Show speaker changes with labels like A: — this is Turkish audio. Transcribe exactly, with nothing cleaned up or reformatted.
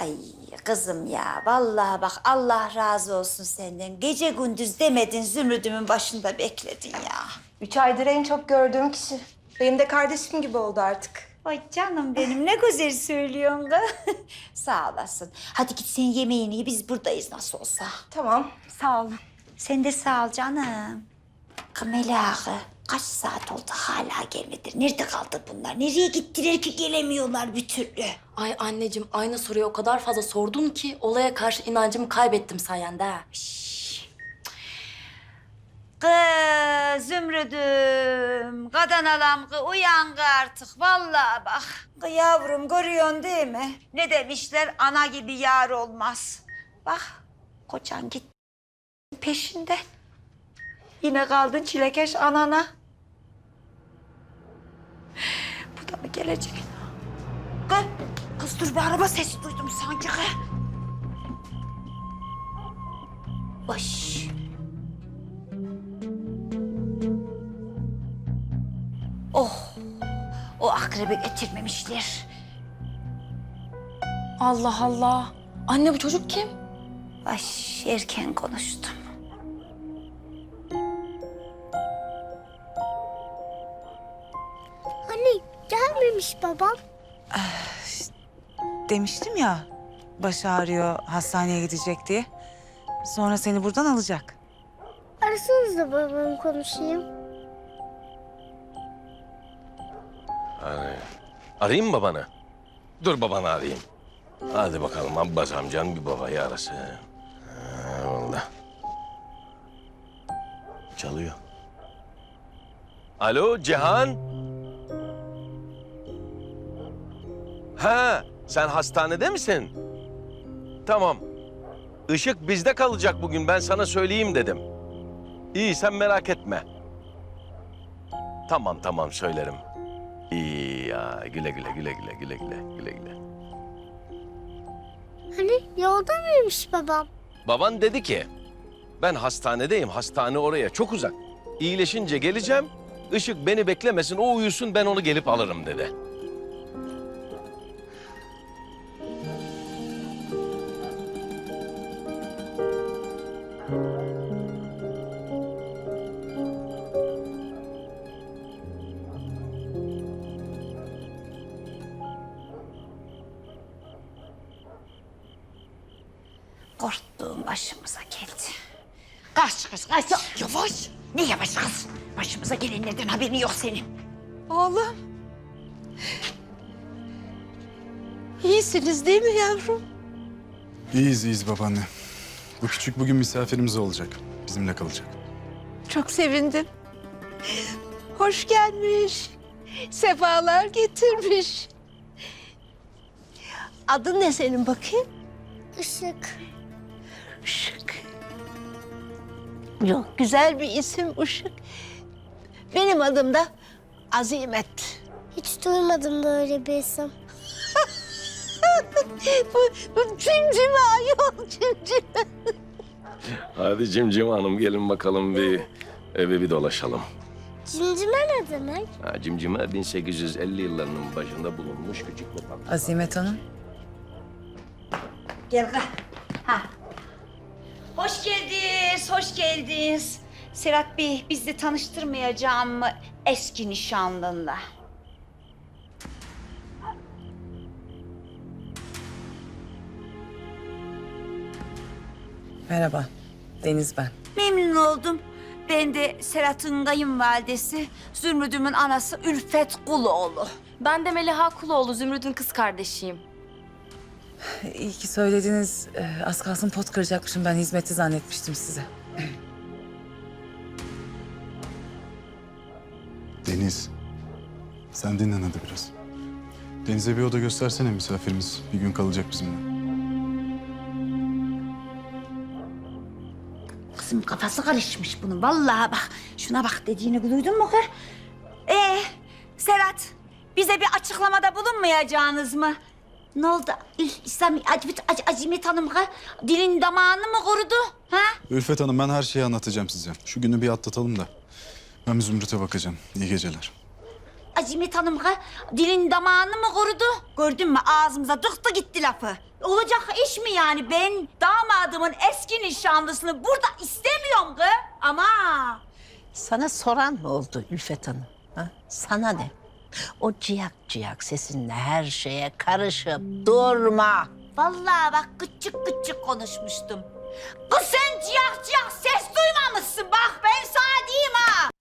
A: Ay kızım ya, vallahi bak Allah razı olsun senden. Gece gündüz demedin, Zümrüdüm'ün başında bekledin ya.
B: Üç aydır en çok gördüğüm kişi. Benim de kardeşim gibi oldu artık.
A: Ay canım benim, ne güzel söylüyorsun kız. Sağ olasın. Hadi git sen yemeğini ye, biz buradayız nasıl olsa.
B: Tamam, sağ olun.
A: Sen de sağ ol canım. Kamela ağı, kaç saat oldu hala gelmedi. Nerede kaldı bunlar? Nereye gittiler ki gelemiyorlar bir türlü?
C: Ay anneciğim aynı soruyu o kadar fazla sordun ki olaya karşı inancımı kaybettim sayende ha.
A: Kız Zümrüdüm, kadın alam kız uyan kız artık vallahi bak. Kız yavrum görüyorsun değil mi? Ne demişler, ana gibi yar olmaz. Bak kocan git peşinde. Yine kaldın çilekeş anana. Bu da mı gelecek? Kız, kız dur, bir araba sesi duydum sanki kız. Baş. Oh, o akrebi getirmemişler.
C: Allah Allah. Anne bu çocuk kim?
A: Baş, erken konuştum.
D: Anne gelmemiş babam.
E: Demiştim ya, başı ağrıyor, hastaneye gidecek diye. Sonra seni buradan alacak.
D: Arasanız da babamı konuşayım.
F: Hani arayayım mı babanı? Dur babanı arayayım. Hadi bakalım Abbas amcan bir babayı arasın. Ha, vallahi. Çalıyor. Alo Cihan. Ha, sen hastanede misin? Tamam. Işık bizde kalacak bugün, ben sana söyleyeyim dedim. İyi, sen merak etme. Tamam tamam söylerim. İyi ya, güle güle güle güle güle güle güle güle.
D: Hani yolda mıymış babam?
F: Baban dedi ki, ben hastanedeyim, hastane oraya çok uzak. İyileşince geleceğim, Işık beni beklemesin, o uyusun, ben onu gelip alırım dedi.
A: Korktuğum başımıza geldi. Kaç kız, kaç. Ya, yavaş. Ne yavaş kız? Başımıza gelenlerden haberin yok senin.
G: Oğlum. İyisiniz değil mi yavrum?
H: İyiyiz, iyiyiz babaanne. Bu küçük bugün misafirimiz olacak. Bizimle kalacak.
G: Çok sevindim. Hoş gelmiş. Sefalar getirmiş. Adın ne senin bakayım?
D: Işık.
G: Işık. Yok, güzel bir isim Işık. Benim adım da Azimet.
D: Hiç duymadım böyle bir isim.
G: bu, bu cimcime ayol, cimcime.
F: Hadi Cimcim Hanım, gelin bakalım bir eve bir dolaşalım.
D: Cimcime ne demek?
F: Ha, Cimcime bin sekiz yüz elli yıllarının başında bulunmuş küçük bir tatlı.
E: Azimet Hanım.
A: Gel kız. Ha. Hoş geldiniz, hoş geldiniz. Serhat Bey, bizi tanıştırmayacağım mı eski nişanlınla?
E: Merhaba, Deniz ben.
A: Memnun oldum. Ben de Serhat'ın kayınvalidesi, Zümrüdüm'ün anası Ülfet Kuloğlu.
C: Ben de Meliha Kuloğlu, Zümrüt'ün kız kardeşiyim.
E: İyi ki söylediniz. Ee, az kalsın pot kıracakmışım. Ben hizmetçi zannetmiştim size.
H: Deniz, sen dinlen hadi biraz. Deniz'e bir oda göstersene, misafirimiz bir gün kalacak bizimle.
A: Kızım kafası karışmış bunun. Vallahi bak, şuna bak dediğini duydun mu kız? Ee, Serhat, bize bir açıklamada bulunmayacağınız mı? Ne oldu? İslam Azimet, Azimet Hanım kız, dilin damağını mı kurudu? Ha?
H: Ülfet Hanım, ben her şeyi anlatacağım size. Şu günü bir atlatalım da. Ben bir Zümrüt'e bakacağım. İyi geceler.
A: Azimet Hanım kız, dilin damağını mı kurudu? Gördün mü ağzımıza tıktı gitti lafı. Olacak iş mi yani? Ben damadımın eski nişanlısını burada istemiyorum kız. Ama
G: Sana soran mı oldu Ülfet Hanım? Ha? Sana ne? O ciyak ciyak sesinle her şeye karışıp durma.
A: vallahi bak küçük küçük konuşmuştum. Kız sen ciyak ciyak ses duymamışsın. Bak ben sana diyeyim ha.